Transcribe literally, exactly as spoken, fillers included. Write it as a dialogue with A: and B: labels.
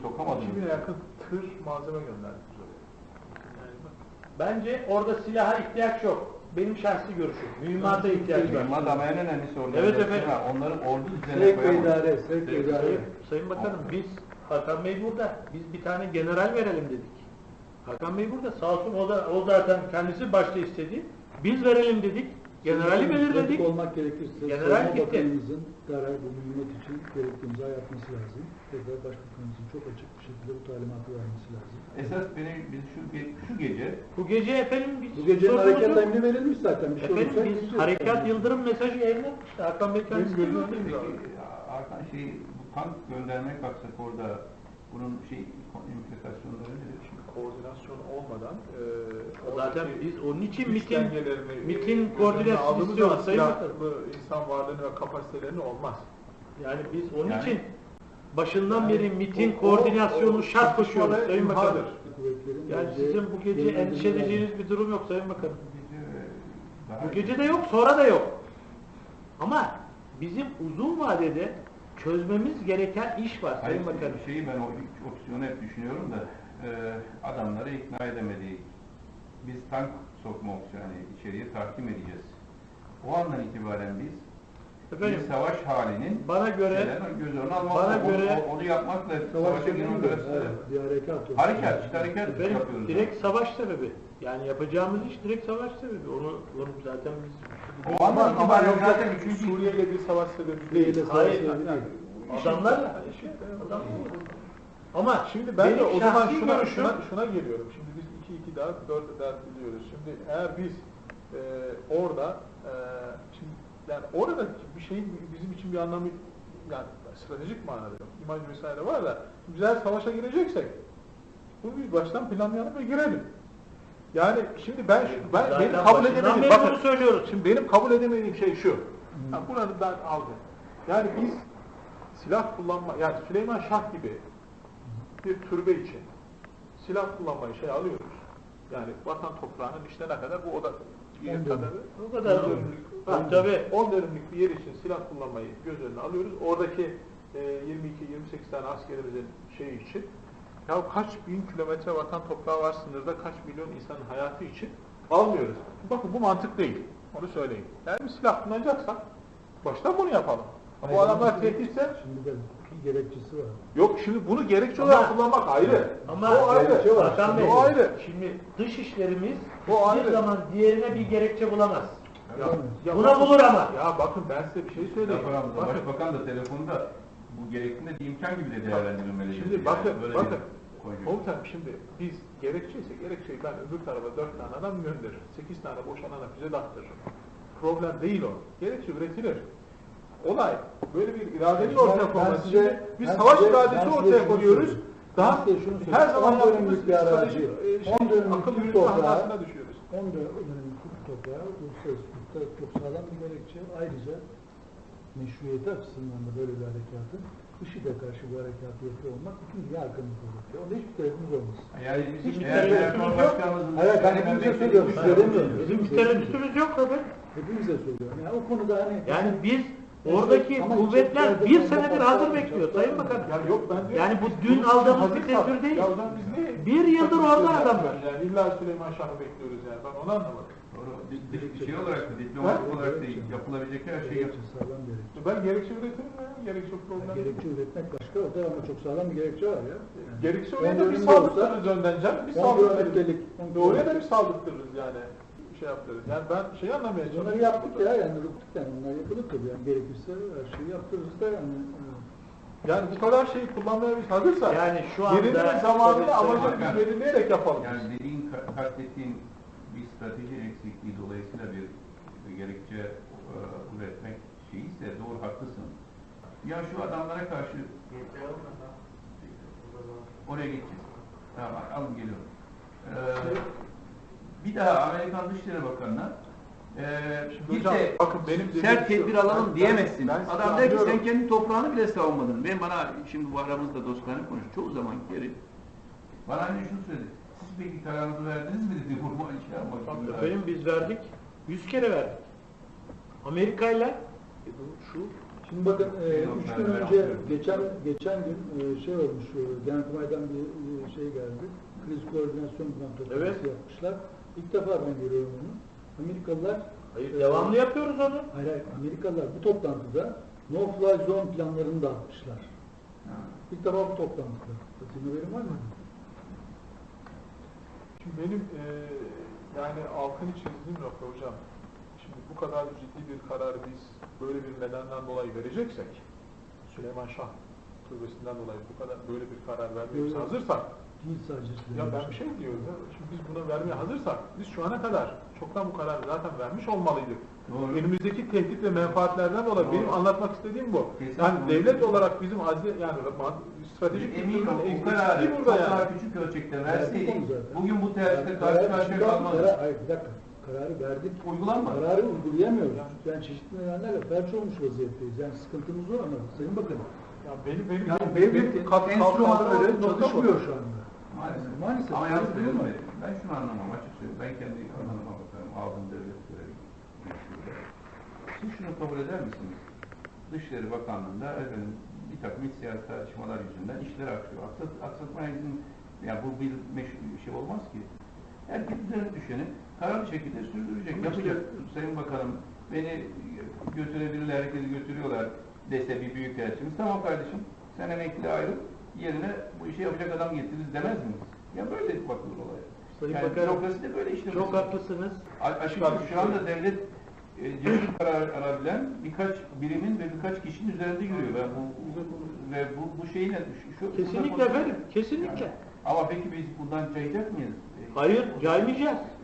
A: sokamadınız.
B: iki bine yakın tır malzeme gönderdik.
C: Yani bak, bence orada silaha ihtiyaç yok. Benim şahsi görüşüm. Mühimmata ihtiyaç var.
A: Mühimmat ama en önemlisi orada.
C: Evet efendim.
A: Onları ordu düzenine
D: Sevk ve
A: koyamayız.
D: idare, sevk ve idare.
C: Sayın, Sayın Bakanım biz, Hakan Bey burada. Biz bir tane general verelim dedik. Hakan Bey burada. Sağ olsun o da o zaten kendisi başta istedi. Biz verelim dedik. Generali belirledik.
D: olmak gerekirse
C: General
D: Savunma
C: gitti.
D: Bakanımızın derhal bu mühimmat için gerekli imza yapması lazım. Tekrar Başbakanımızın çok açık bir şekilde bu talimatı vermesi lazım.
A: Esas benim biz şu, ge- şu gece
C: Bu gece efendim biz
D: Bu gecenin
C: sorunumuz
D: harekat
C: yok.
D: emri verilmiş zaten. Bir şey
C: Efendim
D: olursa
C: biz
D: gideceğiz.
C: harekat yıldırım mesajı yayınladık. İşte Hakan Bey kendisi
B: Benim
C: gördü.
B: gözümde
A: peki Hakan şey bu tank göndermeye kalksak orada bunun şey implikasyonları nedir? Şimdi
B: Koordinasyon olmadan e,
C: Zaten
B: oradaki
C: biz onun için
B: güç
C: mitin
B: dengelerini,
C: mitin
B: e,
C: koordinasyonu
B: aldığımız
C: istiyoruz
B: zaman
C: Sayın Bakanım.
B: silahlı insan varlığını ve kapasitelerini olmaz.
C: Yani biz onun
A: Yani-
C: için başından
B: Yani
C: beri mitin
B: o-
C: koordinasyonu
B: o- o
C: şart koşuyoruz
B: çatışmalar
C: Sayın Bakanım.
B: imhadır.
D: Kuvvetlerin
C: Yani
D: geleceği
C: sizin bu gece
D: yönlendirmeler-
C: endişe edeceğiniz bir durum yok Sayın Bakanım.
A: bu gece daha
C: Bu gece de yok, sonra da yok. Ama bizim uzun vadede çözmemiz gereken iş var
A: Hayır,
C: Sayın Bakanım.
A: şeyi ben o ilk opsiyonu hep düşünüyorum da e, adamları ikna edemedik. Biz tank sokma opsiyonu yani içeriye tahkim edeceğiz. O andan itibaren biz
C: Efendim,
A: bir savaş halinin
C: bana göre
A: şeylerin göz önüne almak,
C: bana
A: onu,
C: göre-
A: onu yapmakla
D: Savaş
A: savaşa girmek
D: dönemi
A: arasında
D: evet, bir harekat. olsun.
A: harekat, işte harekat
C: efendim,
A: yapıyoruz.
C: direkt savaş sebebi. Yani yapacağımız iş direkt savaş sebebi. Onu, onu zaten biz...
A: O andan
B: Ama
A: itibaren
B: yok,
A: zaten
B: yok,
A: üçüncü
B: Suriye ile bir savaş sebebi
D: Değil,
B: değil.
D: savaş
C: Hayır,
D: sebebi değil.
C: Adamlarla. Adamlarla. Ama
B: Şimdi ben de
C: benim
B: o zaman
C: şahsi
B: şuna,
C: görüşüm-
B: şuna, şuna geliyorum. Şimdi biz iki iki daha dört dert biliyoruz. Şimdi eğer biz e, orada e, şimdi yani orada bir şeyin bizim için bir anlamı yani stratejik manada yok. İmaj vesaire var da biz eğer savaşa gireceksek bunu biz baştan planlayalım ve girelim. Yani şimdi ben ben
C: Zaten
B: benim kabul
C: başından
B: edemediğim
C: beri
B: bakın
C: bunu söylüyoruz.
B: şimdi benim kabul edemediğim şey şu. Yani buranı ben aldım. Yani biz silah kullanma yani Süleyman Şah gibi bir türbe için silah kullanmayı şey alıyoruz. Yani vatan toprağının işte ne kadar bu oda yer kadar
C: O kadar.
B: on dönümlük,
C: Ha,
B: ha,
C: tabii.
B: on dönümlük bir yer için silah kullanmayı göz önüne alıyoruz. Oradaki e, yirmi iki yirmi sekiz tane askerimizin şeyi için ya kaç bin kilometre vatan toprağı var sınırda kaç milyon insanın hayatı için almıyoruz. Bakın bu mantık değil. Onu söyleyeyim. Yani bir silah kullanacaksak baştan bunu yapalım. Ama bu adamlar tehditse
D: Şimdi de bir gerekçesi var.
B: yok şimdi bunu gerekçe
C: Ama-
B: olarak kullanmak ayrı.
C: Ama
B: o ayrı.
D: gerekçe var.
C: Hakan Bey,
B: O ayrı.
C: şimdi dış işlerimiz
B: O
C: bir
B: ayrı.
C: zaman diğerine bir gerekçe bulamaz.
B: Ya, ya
C: Buna
B: bakın-
C: bulur ama.
B: Ya bakın ben size bir şey söyleyeyim.
A: Laf aramızda,
B: Bakın,
A: Başbakan da telefonda bu gerektiğinde bir imkan gibi de değerlendirilmeli.
B: şimdi
A: Yani
B: bakın,
A: böyle
B: bakın.
A: bir konjonktür.
B: Komutanım şimdi biz gerekçeyse gerekçeyi ben öbür tarafa dört tane adam gönderirim. Sekiz tane boşanana füze de attırırım. Problem değil o. Gerekçe üretilir. Olay böyle bir iradenin
D: Ben-
B: ortaya
D: ben
B: konması.
D: size-
B: Şimdi biz
D: ben
B: savaş
D: size- ben
B: iradesi
D: size
B: ortaya
D: şunu
B: koyuyoruz.
D: söyleyeyim.
B: Daha
D: Ben size şunu
B: her
D: söyleyeyim.
B: zaman
D: on
B: yaptığımız
D: dönümlük bir arazi,
B: stratejik, e, şey,
D: on dönümlük
B: akıl
D: bir
B: yürütme
D: toprağı,
B: hatasına düşüyoruz.
D: on dönümlük bir toprağı uluslararası hukukta çok sağlam bir gerekçe. Ayrıca meşruiyeti açısından da böyle bir harekatın IŞİD'e karşı bu harekatı yapıyor olmak bütün dünya arkamızda olur. Onda hiçbir tereddütümüz olmaz.
A: Yani bizim
C: Hiçbir
A: eğer
C: tereddütümüz
A: Genel
C: yok.
A: Başkanımızın
D: Evet, ben
A: dışında
D: hepimize
A: beklediğimiz
D: söylüyorum,
A: bir
D: size
A: şey
D: demiyorum.
A: yok.
C: Bizim bir tereddütümüz yok tabii.
D: Hepimize söylüyorum. Yani o konuda hani...
C: Yani biz oradaki
D: Ama
C: kuvvetler
D: çok-
C: bir
D: çok-
C: senedir
D: çok-
C: hazır
D: çok-
C: bekliyor
D: çok-
C: Sayın
D: çok-
C: Bakan.
B: Ya yok ben diyorum
C: Yani
B: ki
C: bu
B: biz
C: dün
B: bunun için
C: aldığımız bir
B: hazırsak,
C: tedbir değil.
B: Ya o zaman biz ne?
C: Bir yıldır
B: takım
C: orada
B: işleri
C: adamlar.
B: yapıyoruz Yani illa Süleyman Şah'ı bekliyoruz yani ben onu anlamadım.
A: Doğru. Di- di- Şey olarak da diplomatik olarak da yapılabilecek her şey
D: Gerekçe sağlam bir gerekçe.
B: Ben gerekçe üretirim ya, gerekçe problem.
D: Yani gerekçe üretmek başka, o da ama çok sağlam bir gerekçe var ya. Yani
B: Gerekçe
D: on
B: oraya da bir
D: dönümde
B: saldırtırız önden canım, bir
D: on
B: saldırtırız.
D: kilometrelik, on
B: Oraya da
D: kilometrelik.
B: bir saldırtırız yani, şey yaptırırız. Yani ben şey anlamaya
D: Bunları
B: çalışıyorum.
D: yaptık ya, yani yaptık yani, bunlar yapılır tabii yani gerekirse her şeyi yaptırırız da yani.
B: Yani bu kadar şeyi kullanmaya biz hazırsak,
C: Yani şu anda
B: yerini ve zamanını
C: tabii-
B: amacını
A: tabii-
B: biz belirleyerek yapalım.
A: Yani dediğin, ka- kastettiğin bir strateji eksikliği dolayısıyla bir, bir gerekçe e, üretmek şeyi ise doğru haklısın. Ya şu adamlara karşı oraya geçeceğiz. Tamam alın geliyorum. Ee, bir daha Amerikan Dışişleri Bakanı'na e,
B: Şimdi
A: bir
B: hocam,
A: de
B: bakın benim dediğim
A: sert
B: şu,
A: tedbir alalım
B: ben-
A: diyemezsin.
B: ben sizi
A: Adam der ki sen
B: anlıyorum.
A: kendi toprağını bile savunmadın. Ben bana şimdi bu aramızda dostlarına konuş. Çoğu zaman geri. Bana hani şunu söyledi. Siz peki kararınızı verdiniz mi dedi. Vurma şey yapmak gibi.
C: Efendim biz verdik. Yüz kere verdik. Amerika'yla e bu şu
D: Şimdi bakın, e,
A: Benim
D: üç
A: ben
D: gün
A: merak
D: önce,
A: ediyorum.
D: geçen geçen gün e, şey olmuş, e, Genelkurmay'dan bir e, şey geldi. Kriz koordinasyon toplantısı
C: Evet.
D: yapmışlar. İlk defa ben görüyorum onu. Amerikalılar,
C: Hayır,
D: e,
C: devamlı yapıyoruz onu.
D: hayır, hayır, Amerikalılar bu toplantıda no-fly zone planlarını dağıtmışlar.
A: Ha.
D: İlk defa bu toplantıda. Senin haberin var mı?
B: Şimdi benim e, yani altını çizdiğim nokta hocam, şimdi bu kadar ciddi bir kararı biz böyle bir nedenden dolayı vereceksek, Süleyman Şah türbesinden dolayı bu kadar böyle bir karar vermeye biz
D: Evet.
B: hazırsak,
D: Değil sadece.
B: ya ben bir şey diyorum ya, şimdi biz buna vermeye hazırsak, biz şu ana kadar çoktan bu kararı zaten vermiş olmalıydık.
A: Doğru.
B: Elimizdeki tehdit ve menfaatlerden dolayı
A: Doğru.
B: benim anlatmak istediğim bu.
A: Kesinlikle.
B: Yani devlet olarak bizim azli, yani stratejik
A: Emin ol,
B: kültürün
A: o kararı
B: eksikliği
A: çok
B: burada yani.
A: daha küçük ölçekte verseydik,
D: Verdik onu zaten.
A: bugün bu tercihte
D: Yani
A: karşı
D: karar-
A: karşıya
D: karar-
A: kalmazdık.
D: karar- Hayır, bir dakika. Kararı verdik.
A: Uygulanmadı.
D: Kararı uygulayamıyoruz. Yani çeşitli nedenlerle felç olmuş vaziyetteyiz. Yani sıkıntımız var ama Sayın Bakın.
B: Ya benim benim
D: Yani
B: benim
D: devletin
B: kat-
D: enstrümanları
B: kalkan nokta bu.
D: çalışmıyor şu anda.
A: Maalesef.
D: Maalesef.
A: Ama
D: Öyle
A: yalnız
D: değil mi?
A: söyleyeyim, ben şunu anlamam açık söyleyeyim. Ben kendi alanıma bakarım. Aldığım devlet görevi. Siz şunu kabul eder misiniz? Dışişleri Bakanlığı'nda efendim, bir takım iç siyasi tartışmalar yüzünden işler aksıyor. Aksat, aksatmaya izin, yani bu bir meşru bir şey olmaz ki. Herkes üzerine düşeni kararlı şekilde sürdürecek.
B: Ama
A: Yapacak.
B: işte-
A: Sayın Bakanım, beni götürebilirler, herkesi götürüyorlar dese bir büyük elçimiz. Tamam kardeşim, sen emekli ayrıl, yerine bu işi yapacak adam getiririz demez miyiz? Ya böyle bakılır olaya.
C: Sayın
A: Yani
C: Bakanım,
A: bürokrasi de böyle işlemesi.
C: çok haklısınız.
A: A- Açıkçası şu anda devlet e, cesur karar alabilen birkaç birimin ve birkaç kişinin üzerinde yürüyor. Ve bu, ve bu, bu şeyin şu, şu,
C: Kesinlikle
A: burada-
C: efendim, kesinlikle.
A: Yani, ama peki biz bundan cayacak mıyız? E,
C: Hayır, caymayacağız.